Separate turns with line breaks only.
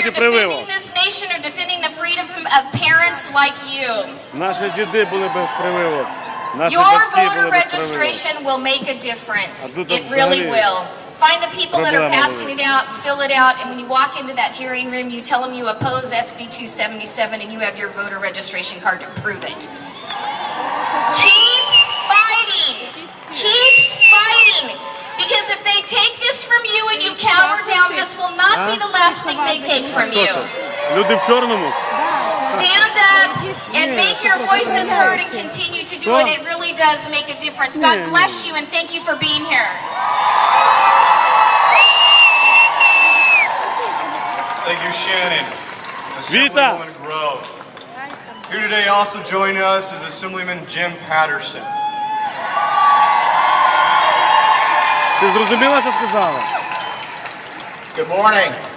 проти прививок.
defending this nation or defending the freedom of parents like you.
Наші діди були без прививок. Наші
Your
батьки
voter
були без прививок.
registration will make a difference.
А тут
It really
взагалі
will. Find the people that are
проблема
passing it out, fill it out, and when you walk into that hearing room, you tell them you oppose SB 277 and you have your voter registration card to prove it. Keep fighting! Keep fighting! Because if they take this from you and you cower down, this will not be the last thing they take from
Хто
you.
це? Люди в чорному?
Stand up and make your voices heard and continue to do it. It really does make a difference. God bless you and thank you for being here.
Thank you, Shannon.
Vita.
Assemblywoman Grove. Here today also joining us is Assemblyman Jim Patterson.
Ти зрозуміла, що сказала?
Good morning.